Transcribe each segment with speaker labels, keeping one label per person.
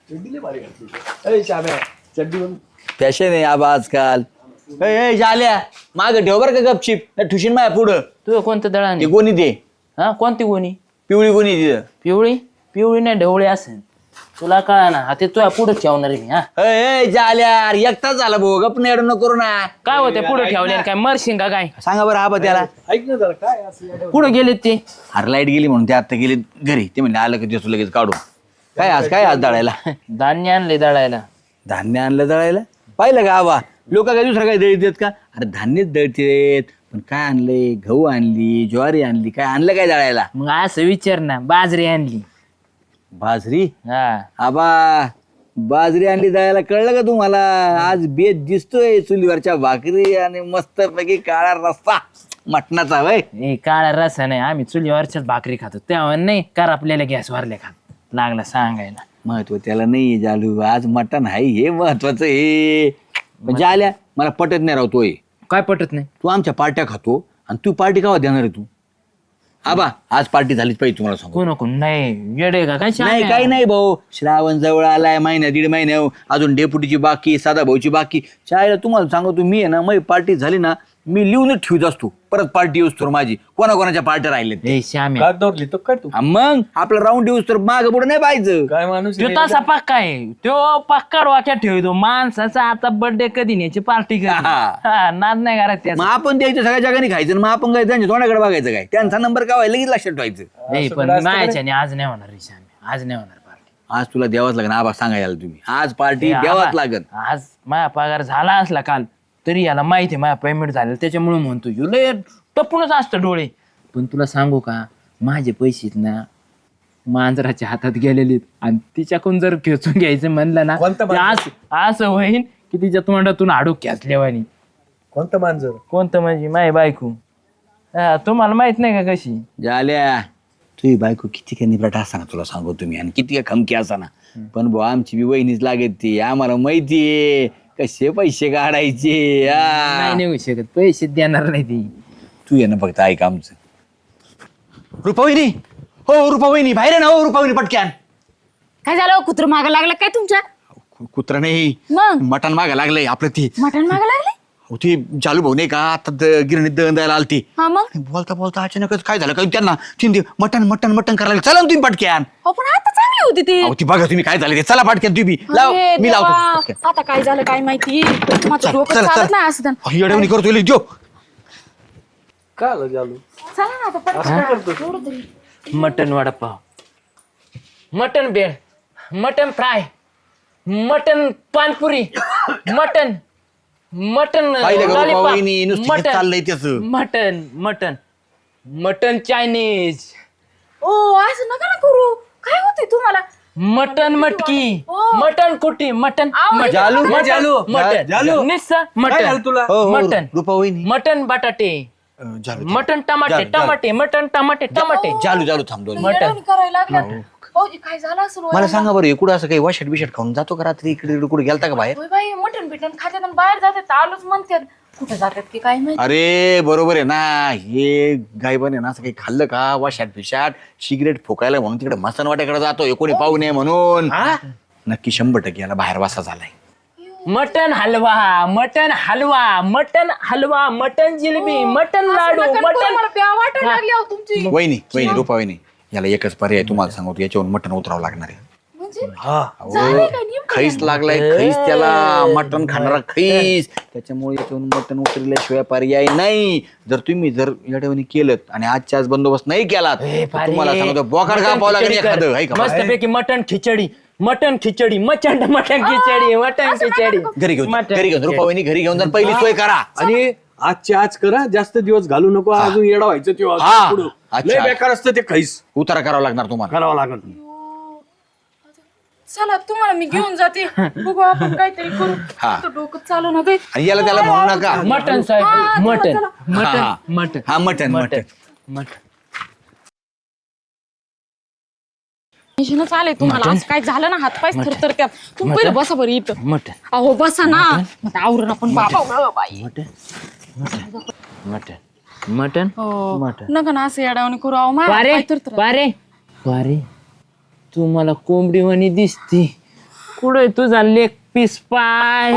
Speaker 1: Fashion आहे आबा आजकाल. झाल्या माग ठेव बरं का गपचिप ठुशीन माया पुढं.
Speaker 2: तुझं कोणतं दळण
Speaker 1: ते गोणी दे,
Speaker 2: हा कोणती गोणी?
Speaker 1: पिवळी गोणी तिथं.
Speaker 2: पिवळी पिवळी नाही ढवळी असेल तुला कळा ना. हा ते तुझ्या पुढे ठेवणार आहे मी. हा
Speaker 1: झाल्या एकटाच झाला भाऊ गप नेड न करू ना.
Speaker 2: काय होते पुढे ठेवले काय मरशिंग का काय?
Speaker 1: सांगा बरं आबा त्याला.
Speaker 3: ऐक ना जरा काय असं
Speaker 2: कुठं गेलेत ते?
Speaker 1: अरे लाईट गेली म्हणून ते आता गेले घरी. ते म्हणले आलं की देतो लगेच काढून. काय आज दळायला
Speaker 2: धान्य आणले दळायला.
Speaker 1: धान्य आणलं दळायला. पाहिलं का आबा लोक काय दुसरं काय दळीत देत का? अरे धान्यच दळतेत. पण काय आणलंय? गहू आणली, ज्वारी आणली, काय आणलं काय दळायला?
Speaker 2: मग असं विचार ना. बाजरी आणली.
Speaker 1: बाजरी?
Speaker 2: हा
Speaker 1: आबा बाजरी आणली दळायला कळलं का तुम्हाला? आज बेत दिसतोय चुलीवरच्या भाकरी आणि मस्त पैकी काळा रस्सा मटणाचा. वय
Speaker 2: ए काळा रसा नाही. आम्ही चुलीवरच्याच भाकरी खातो तेव्हा नाही कर आपल्याला गॅस वरल्या खात लागला सांगायला.
Speaker 1: महत्व त्याला नाही जालू. आज मटण आहे हे महत्वाचं. हे म्हणजे आल्या मला पटत नाही राहतोय.
Speaker 2: काय पटत नाही?
Speaker 1: तू आमच्या पार्ट्या खातो आणि तू पार्टी केव्हा देणार आहे तू? आबा आज पार्टी झालीच पाहिजे तुम्हाला सांगू.
Speaker 2: कोण कोण नाही येडे का काय?
Speaker 1: नाही काही नाही भाऊ. श्रावण जवळ आलाय, महिना दीड महिना अजून डेपुटीची बाकी, साधा भाऊची बाकी. चायला तुम्हाला सांगतो मी आहे ना, माझी पार्टी झाली ना मी लिहूनच ठेवत असतो. परत पार्टी येऊस तर माझी कोणाकोणाच्या पार्ट्या राहिल्यात.
Speaker 2: ए श्याम्या
Speaker 3: कागदावर लिहितो काय तू?
Speaker 1: मग आपला राऊंड येऊस तर माग पुढे नाही पाहिजे.
Speaker 3: काय माणूस
Speaker 2: तो तसा पक्का आहे. तो पक्का वाक्यात ठेवतो माणसाचा. आता बर्थडे कधी न्यायची पार्टी कधी. हा, नाद नाही करत
Speaker 1: मग
Speaker 2: त्याचा.
Speaker 1: आपण द्यायचं सगळ्या जगाने खायचं आणि मग आपण काय त्यांच्या तोंडाकडे बघायचं काय? त्यांचा नंबर काय लगेच लक्षात ठेवायचं.
Speaker 2: नाही पण मायाच्याने आज नाही होणार रे श्याम्या. आज नाही होणार पार्टी.
Speaker 1: आज तुला द्यावाच लागेल आबा सांगायला तुम्ही. आज पार्टी द्यावाच लागेल.
Speaker 2: आज माझा पगार झाला असला काल तरी याला माहिती आहे माझा पेमेंट झालं त्याच्यामुळे म्हणतो लय टपूनच असतं डोळे. पण तुला सांगू का माझे पैसे ना मांजराच्या हातात गेलेले आणि तिच्याकडून जर खेचून घ्यायचं म्हणलं ना असं होईन की तिच्या तोंडातून हाडूक खेचल्यावानी.
Speaker 3: कोणतं मांजर?
Speaker 2: कोणतं म्हणजे माझी बायको. तुम्हाला माहित नाही का कशी?
Speaker 1: झाल्या तुझी बायको किती काय निपराट असताना तुला सांगू तुम्ही आणि किती काय खमकी असताना. पण भाऊ आमची बी वहिनीच लागत ती. आम्हाला माहितीये कसे पैसे काढायचे.
Speaker 2: नाही निघू शकत. पैसे देणार नाही ती.
Speaker 1: तू ये ना फक्त ऐक आमचं. रुपावहिनी हो रुपावहिनी बाहेर आहे ना. हो रुपावहिनी पटक्यान.
Speaker 4: काय झालं? कुत्र माग लागलं काय तुमच्या?
Speaker 1: कुत्रा नाही
Speaker 4: मग
Speaker 1: मटण मागा लागलंय आपलं. ती
Speaker 4: मटण माग लागले?
Speaker 1: होती चालू भाऊ नाही का आता गिरणीत दळण द्यायला आलती.
Speaker 4: हा मग
Speaker 1: आणि बोलता बोलता अचानकच काय झालं काय त्यांना तीन मटण मटण मटण करायला. चला ना तुम्ही पटक्यान.
Speaker 4: हो पण आता चांगली होती ती.
Speaker 1: अहो ती बघा तुम्ही काय झालं ते. चला पटक्यान तुम्ही लाव.
Speaker 4: अरे
Speaker 1: मी
Speaker 4: देवा,
Speaker 1: लावतो पटक्यान.
Speaker 4: आता काय झालं काय माहिती. माझं डोकं
Speaker 1: चला,
Speaker 4: चालत
Speaker 1: चला.
Speaker 4: नाही असं.
Speaker 1: येडवणी करतो जो.
Speaker 3: काय आलं जालू?
Speaker 4: चला ना आता पटकन. एवढं तरी.
Speaker 2: Mutton vada pav, mutton bhel, mutton fry, mutton पानपुरी, मटन मटन
Speaker 1: पाहिलं का
Speaker 2: लॉलीपॉप,
Speaker 1: रुपावहिनी नुसतं हेच चाललंय त्याचं.
Speaker 2: मटन मटन मटन चायनीज,
Speaker 4: ओ असं नका ना करू. काय होते तुम्हाला?
Speaker 2: मटन मटकी,
Speaker 4: ओ.
Speaker 2: मटन कुटी, मटन मटन,
Speaker 1: जालू,
Speaker 2: मटन,
Speaker 1: जालू,
Speaker 2: मटन
Speaker 3: जालू.
Speaker 2: निस्सा
Speaker 3: काय झालं
Speaker 2: मटन
Speaker 3: तुला?
Speaker 1: हो, हो,
Speaker 2: मटन
Speaker 1: रुपावहिनी
Speaker 2: मटन बटाटे,
Speaker 1: जालू
Speaker 2: मटन टमाटे
Speaker 1: जालू, जालू.
Speaker 2: टमाटे, मटन टमाटे टमाटे.
Speaker 1: जालू जालू थांब दोन.
Speaker 2: मटण.
Speaker 4: येडवणी करायला लागल्या. भाऊजी काय झालं असं?
Speaker 1: मला सांगा बरं इकडं असं काही वाशट बिशट खाऊन जातो का रात्री? इकडे कुठे गेलता का बाहेर?
Speaker 4: होय बाई मटण बिटन खात्यात आणि बाहेर जातात. आलोच म्हणतात. कुठे जातात की काय माहिती.
Speaker 1: अरे बरोबर आहे ना. हे गायबाने ना असं काही खाल्लं का वाशाट बिशाट सिगरेट फुकायला म्हणून तिकडे मसनवाट्याकडे जातो. कोणी पाहू नये म्हणून. नक्की 100% याला बाहेर वासा झालाय.
Speaker 2: Mutton halwa, mutton halwa, mutton halwa, mutton jalebi, mutton laddu,
Speaker 4: असं नका करू,
Speaker 2: मटन.
Speaker 4: मला प्या वाटायला लागली अहो तुमची.
Speaker 1: वहिनी वहिनी रुपावहिनी याला एकच पर्याय तुम्हाला सांगतो. याच्यावरून मटण उतरावं लागणार आहे.
Speaker 4: म्हणजे
Speaker 1: अहो,
Speaker 4: झालंय काय नेमकं?
Speaker 1: खैस लागलाय. खैस त्याला मटण खाणारा खैस. त्याच्यामुळे याच्यावरून मटण उतरल्याशिवाय पर्याय नाही. जर तुम्ही जर याच्यावर केलं आणि आजच्या आज बंदोबस्त नाही केलात तर तुम्हाला सांगतो बोकाड कापावं लागेल एखादं. आहे का?
Speaker 2: मस्त पैकी mutton khichdi, mutton khichdi, mutton mutton khichdi, mutton khichdi.
Speaker 1: घरी घेऊन
Speaker 2: मटण.
Speaker 1: घरी घेऊन रुपावहिनी घरी घेऊन जर पहिली सोय करा.
Speaker 3: आणि आजची आज करा. जास्त दिवस घालू नको. अजून येडा व्हायचं ते
Speaker 1: हा.
Speaker 3: पुढं.
Speaker 1: अच्छा.
Speaker 3: लय बेकार असतं ते खैस.
Speaker 1: उतारा करावा लागणार तुम्हाला.
Speaker 3: करावं लागल.
Speaker 4: चला तुम्हाला मी घेऊन जाते. बघू आपण काहीतरी करू.
Speaker 1: हा.
Speaker 4: आता डोकं चालू ना काही.
Speaker 1: आणि याला त्याला म्हणू नका.
Speaker 2: मटन साहेब,
Speaker 4: हा,
Speaker 2: मटन
Speaker 4: चला,
Speaker 2: मटन
Speaker 1: हा.
Speaker 2: मटन
Speaker 1: हा मटण मटण.
Speaker 2: मटन.
Speaker 4: टेन्शनच आलंय तुम्हाला. आज काय झालं ना हातपाय थरथर त्यात. तुम्ही पहिलं बसा बरं इथं.
Speaker 2: मटन
Speaker 4: अहो बसा ना. मग आवरून आपण बाबा बाई.
Speaker 2: मटन मटन मटन
Speaker 4: हो.
Speaker 2: मटन.
Speaker 4: नका ना असं येडावणी करू. अहो माझ्या
Speaker 2: पारे
Speaker 4: पाय थरथर.
Speaker 2: पारे पारे तू मला कोंबडी वाणी दिसती. कुठे तुझा लेग पीस पाय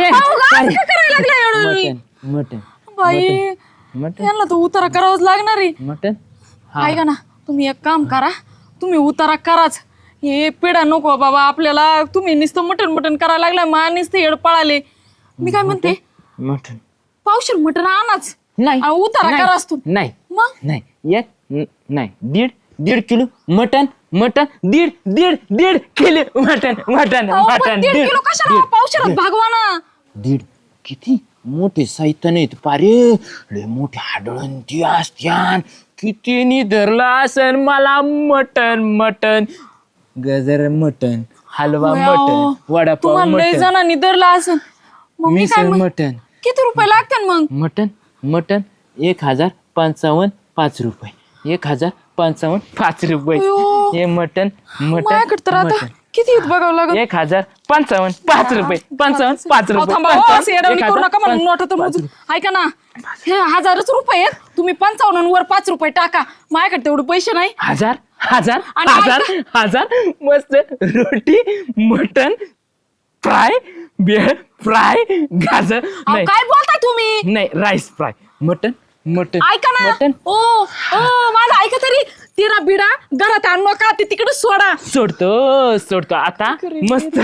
Speaker 2: मटन मटन
Speaker 4: बाई
Speaker 2: मटन
Speaker 4: यांना तर उतारा करावाच लागणार आहे.
Speaker 2: मटन
Speaker 4: ऐका ना तुम्ही एक काम करा, तुम्ही उतारा कराच. हे पिढा नको बाबा आपल्याला. तुम्ही नुसतं मटण मटण करायला लागलाय, मा नुसतं येड पळाले. मी काय म्हणते,
Speaker 2: मटन
Speaker 4: पावशेर मटण आणाच
Speaker 2: नाही
Speaker 4: आणि उतारा
Speaker 2: नाही,
Speaker 4: कराच तू.
Speaker 2: नाही
Speaker 4: मग
Speaker 2: नाही नाही दीड किलो मटन मटन दीड किलो मटन मटन
Speaker 4: अहो, पण
Speaker 2: मटन
Speaker 4: 1.5 किलो कशाला पावशेरात भागवा ना.
Speaker 2: दीड किती मोठे साहित्य नाहीत पारे, लय मोठे हाडळण ती असत्यान. किती नि धरला असन मला मटन मटन गजर मटन हलवा
Speaker 4: होय,
Speaker 2: मटन
Speaker 4: अहो.
Speaker 2: वडापाव
Speaker 4: तुम्हाला लय
Speaker 2: मटन
Speaker 4: जणांनी धरला असन. मग मी काय
Speaker 2: मिसळ
Speaker 4: म्हण-
Speaker 2: मटन
Speaker 4: किती रुपये लागतात मग?
Speaker 2: मटन मटन 1055 5 रुपये 1055 5 रुपये
Speaker 4: अयो.
Speaker 2: हे मटन मटन
Speaker 4: माझ्याकडे तर आता
Speaker 2: मटन
Speaker 4: किती बघावं लागत.
Speaker 2: 1055 5 रुपये 55 5
Speaker 4: अहो,
Speaker 2: रुपये
Speaker 4: थांबा, हो, असं येड्यावानी करू नका मला नोटा तर मोजून. ऐका ना, हे 1000च रुपये आहेत. तुम्ही 55 वर 5 रुपये टाका. माझ्याकडे तेवढे पैसे नाही.
Speaker 2: हजार हजार
Speaker 4: आणि
Speaker 2: हजार हजार मस्त रोटी मटन फ्राय बेळ फ्राय गाजर
Speaker 4: अहो,
Speaker 2: नाही
Speaker 4: काय बोलताय तुम्ही?
Speaker 2: नाही राईस फ्राय मटन मटन
Speaker 4: ऐका ना,
Speaker 2: मटन
Speaker 4: ओ माझं ऐका तरी. तिरा बिडा घरात आणू नका, ते तिकडे सोडा.
Speaker 2: सोडतो आता मस्त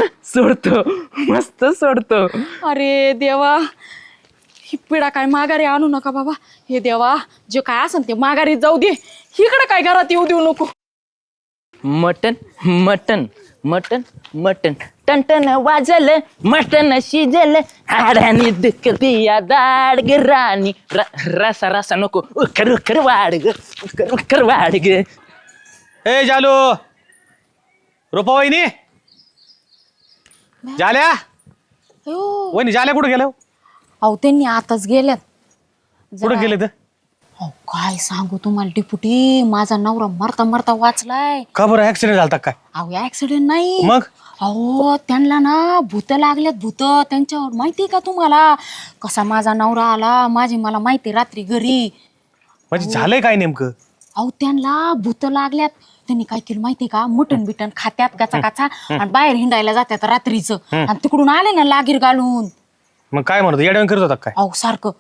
Speaker 2: सोडतो
Speaker 4: अरे देवा, ही पिढा काय माघारी आणू नका बाबा. हे देवा, जे काय असेल ते माघारी जाऊ दे. इकडे काय घरात येऊ देऊ नको.
Speaker 2: मटन मटन मटन मटन टनटन वाजल मटन शिजल हाडानी दुखती या दाड ग राणी रसा रसा नको उकर उकर वाढ ग उकर उकर वाढ ग.
Speaker 3: ए जालू, रुपा वहिनी, जाल्या
Speaker 4: अयो,
Speaker 3: वहिनी, जाल्या कुठे गेल्या?
Speaker 4: अहो त्यांनी आताच गेल्यात.
Speaker 3: कुठे गेले तर?
Speaker 4: अहो काय सांगू तुम्हाला डिपुटी, माझा नवरा मरता मरता वाचलाय.
Speaker 3: का बरं ऍक्सिडेंट झालता काय?
Speaker 4: अहो ऍक्सिडेंट नाही.
Speaker 3: मग?
Speaker 4: अहो त्यांना ना भूत लागल्यात, भूत त्यांच्यावर. माहितीये का तुम्हाला कसा माझा नवरा आला? मला माहिती रात्री घरी.
Speaker 3: म्हणजे झालंय काय नेमकं?
Speaker 4: अहो त्यांना भूत लागल्यात. त्यांनी काय केलं माहितीये का, मटण बिटन खात्यात गाचा गाचा आणि बाहेर हिंडायला जात्यात रात्रीचं. आणि तिकडून आले ना लागीर घालून.
Speaker 3: मग काय म्हणतो, येड्यावर करत होता काय?
Speaker 4: अहो सारखं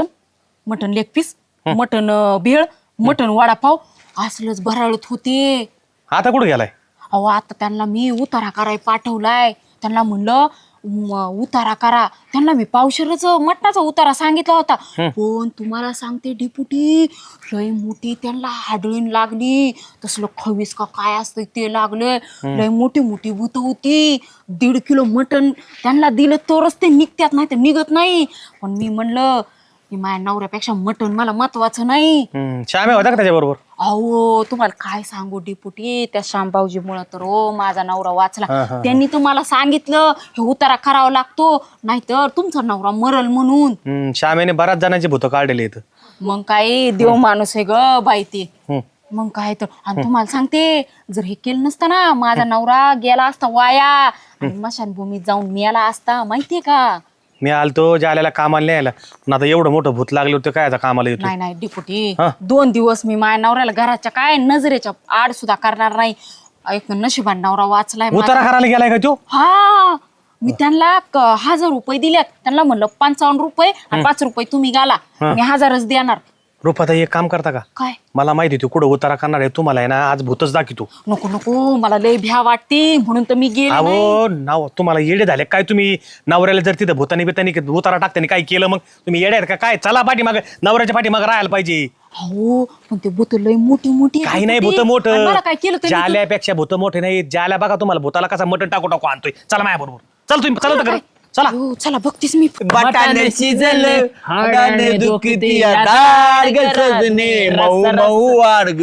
Speaker 4: mutton leg piece, mutton bhel, mutton vada pav असलंच भराळत होते.
Speaker 3: आता कुठे गेलाय?
Speaker 4: अहो आता त्यांना मी उतारा कराय पाठवलाय. त्यांना म्हणलं उतारा करा. त्यांना मी पावशेरच मटणाचा उतारा सांगितला होता. पण तुम्हाला सांगते डिपुटी, लय मोठी त्यांना हाडळीन लागली. तसलं खवीस का काय असतं ते लागलं. लय मोठी मोठी भूत होती. 1.5 किलो मटण त्यांना दिलं तरच ते निघतात, नाही तर निघत नाही. पण मी म्हणलं की माझ्या नवऱ्यापेक्षा मटण मला महत्वाचं नाही.
Speaker 3: श्याम्या होता का त्याच्याबरोबर?
Speaker 4: अहो तुम्हाला काय सांगू डिपुटी, त्या शामबावजीमुळं तर माझा नवरा वाचला. त्यांनी तुम्हाला सांगितलं हे उतारा करावा लागतो, नाहीतर तुमचा नवरा मरल म्हणून.
Speaker 3: श्याम्याने बऱ्याच जणांची भूत काढलेली इथं.
Speaker 4: मग काय देव माणूस आहे ग बाई ते. मग काय तर. आणि तुम्हाला सांगते, जर हे केलं नसतं ना, माझा नवरा गेला असता वाया आणि मशानभूमीत जाऊन मेला असता. माहितीये का?
Speaker 3: मी आलतो जाल्याला कामाला नाही यायला, पण आता एवढं मोठं भूत लागलं होतं काय आता कामाला येतो?
Speaker 4: नाही डिपुटी, 2 दिवस मी माझ्या नवऱ्याला घराच्या काय नजरेच्या आड सुद्धा करणार नाही. एक नशिबान नवरा वाचलाय माझा.
Speaker 3: उतारा करायला गेलाय का तो?
Speaker 4: हा, मी त्यांना 1000 रुपये दिल्यात. त्यांना म्हणलं 55 रुपये आणि 5 रुपये तुम्ही घाला. मी 1000च देणार.
Speaker 3: रुपाता एक काम करता का?
Speaker 4: काय?
Speaker 3: मला माहिती तू कुठं उतारा करणार आहे, तुम्हाला आहे ना आज भूतच दाखवतो.
Speaker 4: नको नको, मला लय भ्या वाटते म्हणून तर मी गेले नाही.
Speaker 3: अहो नाव तुम्हाला येडे झाले काय तुम्ही? नवऱ्याला जर तिथं भूतानी बितानी उतारा टाकतानी काय केलं मग तुम्ही येडे आहेत का काय? चला पाठीमाग, नवऱ्याच्या पाठीमाग राहायला पाहिजे.
Speaker 4: हो पण ते भूत लय मोठी मोठी
Speaker 3: काही नाही भूत
Speaker 4: आणि
Speaker 3: मोठं,
Speaker 4: मला काय केलं त्यांनी?
Speaker 3: जाल्यापेक्षा भूत मोठे नाही. जाल्या बघा तुम्हाला भूताला कसा मटण टाकू टाकू आणतोय. चला माझ्या बरोबर, चल तुम्ही चला तर चला.
Speaker 4: हो, चला बघतीस मी.
Speaker 1: बटाणे शिजले हाडाने दुखती या दाड ग सजने मऊ मऊ वाढ ग.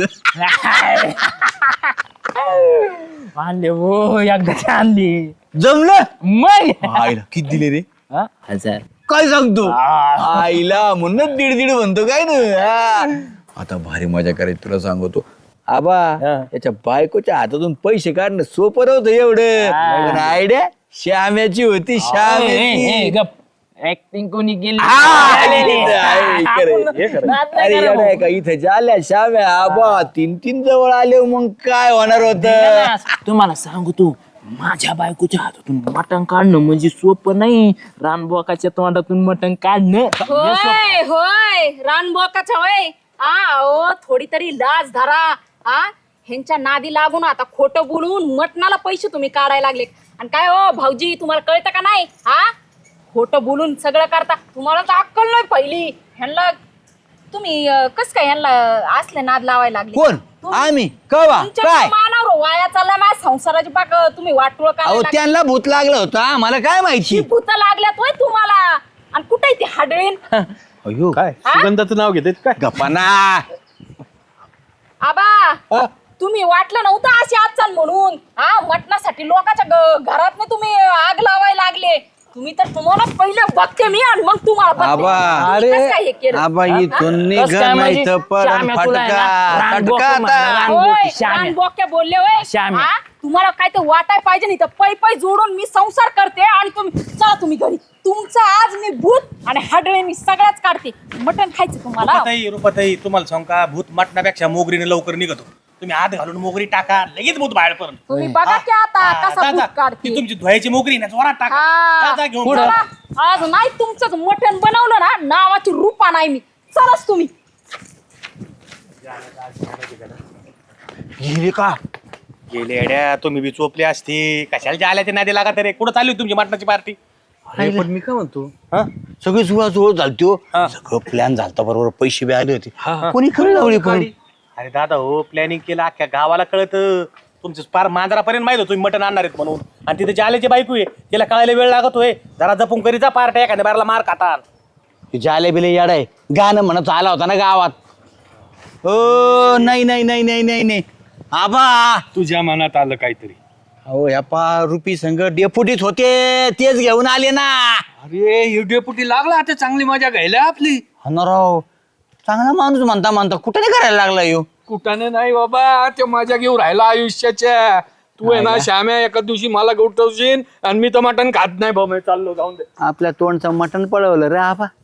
Speaker 2: आणले हो एकदा आणली
Speaker 1: जमलं
Speaker 2: मग
Speaker 1: आईला किती दिले रे?
Speaker 2: 1000
Speaker 1: काय सांगतो आईला म्हणून 1.5 म्हणतो काय ना. आता भारी मजा करायची तुला सांगतो आबा. याच्या बायकोच्या हातातून पैसे काढणं सोपं नव्हतं एवढं. पण आयडिया श्याम्याची होती, श्याम्याची.
Speaker 2: गप ऍक्टिंग कोणी केली
Speaker 1: अरे येडा का इथं झाल्या श्याम्या आबा 3 जवळ आले मग काय होणार होत.
Speaker 2: तुम्हाला सांगू तू माझ्या बायकोच्या हातातून मटण काढणं म्हणजे सोपं नाही. रानबोकाच्या तोंडातून मटण काढणं हे सोपं.
Speaker 4: होय होय रानबोकाच्या होय. ओ थोडी तरी लाज धरा. ह्यांच्या नादी लागून आता खोटं बोलून मटणाला पैसे तुम्ही काढायला लागले. आणि काय हो भाऊजी तुम्हाला कळतं का नाही? खोटं बोलून सगळं करता. तुम्हाला तर अक्कल नाही पहिली. ह्यांना तुम्ही कस काय ह्यांना असले नाद लावायला लागले?
Speaker 1: कोण? आम्ही कवा
Speaker 4: तुमच्या
Speaker 1: काय?
Speaker 4: मानावर वाया चालला माझ्या संसाराची पाक तुम्ही वाटोळ
Speaker 1: अहो
Speaker 4: करायला
Speaker 1: त्यांना भूत लागलं होतं आम्हाला काय माहिती.
Speaker 4: भूत लागल्यात होय तुम्हाला. आणि कुठे ती हाडळीन?
Speaker 1: अयो
Speaker 3: काय सुगंधाचं नाव घेते काय?
Speaker 1: गप्पाना.
Speaker 4: आबा तुम्ही वाटलं नव्हतं अशी आजचाल म्हणून. मटणासाठी लोकांच्या घरात तुम्ही आग लावायला लागले. तुम्ही तर तुम्हाला पहिले बघते मी आणि मग तुम्हाला बघते.
Speaker 1: आबा
Speaker 4: तुम्ही कसं काय हे केलं?
Speaker 1: आबा इथून निघ
Speaker 2: कसं काय
Speaker 1: नाही
Speaker 2: म्हणजे?
Speaker 1: तर पडन
Speaker 2: श्याम्या तुला आहे ना,
Speaker 1: फटका
Speaker 2: रानबोकं
Speaker 1: फटका
Speaker 2: म्हणा,
Speaker 1: आता.
Speaker 2: रानबोकं.
Speaker 4: होय,
Speaker 2: श्याम्या.
Speaker 4: रानबोक्या बोलले होय.
Speaker 2: श्याम्या.
Speaker 4: तुम्हाला काय ते वाटाय पाहिजे नाही तर पै पै जोडून मी संसार करते आणि तुम्ही चला तुम्ही घरी. तुमचं आज मी भूत आणि हाडळे मी सगळ्याच काढते. मटण खायचं तुम्हाला?
Speaker 3: रुपाताई तुम्हाला सांग का भूत मटणापेक्षा मोगरीने लवकर निघतो. तुम्ही हात घालून मोगरी टाका लगेच भूत बाहेर पडून.
Speaker 4: तुम्ही बघा की आता कसा भूत काढते.
Speaker 3: ती तुमची धुवायची मोगरी ना जोरात टाका.
Speaker 4: हा.
Speaker 3: जा, घेऊन
Speaker 2: पुढं.
Speaker 3: जा.
Speaker 4: चला, आज नाही तुमचं मटण बनवलं ना नावाची रूपा नाही मी. चलाच तुम्ही.
Speaker 1: गेली का?
Speaker 3: गेले अड्या तुम्ही बी चोपले असते कशाला जायला ते नादी लागा तरी. कुठं चालली होती तुमची मटणाची पार्टी?
Speaker 1: अरे, पण मी काय म्हणतो सगळी जुळा झालतो सगळं प्लॅन झालता बरोबर पैसे बी आले होते कोणी खरं लावली पण
Speaker 3: अरे दादा हो प्लॅनिंग केलं अख्ख्या गावाला कळत. तुमचं पार मांजरापर्यंत माहित होतं तुम्ही मटण आणणार आहेत म्हणून. आणि तिथे जाल्याची बायको आहे तिला कळायला वेळ लागतोय. जरा जपून करीचा पार्ट्या एखाद्या बाराला मार खातात.
Speaker 1: जाले बिले याड आहे गाणं म्हणत आला होता ना गावात. हो नाही नाही नाही नाही नाही नाही आबा
Speaker 3: तुझ्या मनात आलं काहीतरी.
Speaker 1: अहो या रुपी संघ डेपुटीत होते तेच घेऊन आले ना.
Speaker 5: अरे ही डेपुटी लागला आता चांगली मजा घ्यायला आपली.
Speaker 1: राव चांगला माणूस म्हणता म्हणता कुठे नाही करायला लागला यो.
Speaker 5: कुठाने नाही बाबा ते मजा घेऊन राहिला आयुष्याच्या. तू आहे ना श्याम्या एका दिवशी मला गोठवशील आणि मी तर मटण खात नाही भाऊ. मी चाललो जाऊन दे.
Speaker 1: आपल्या तोंडचं मटण पळवलं रे आबा.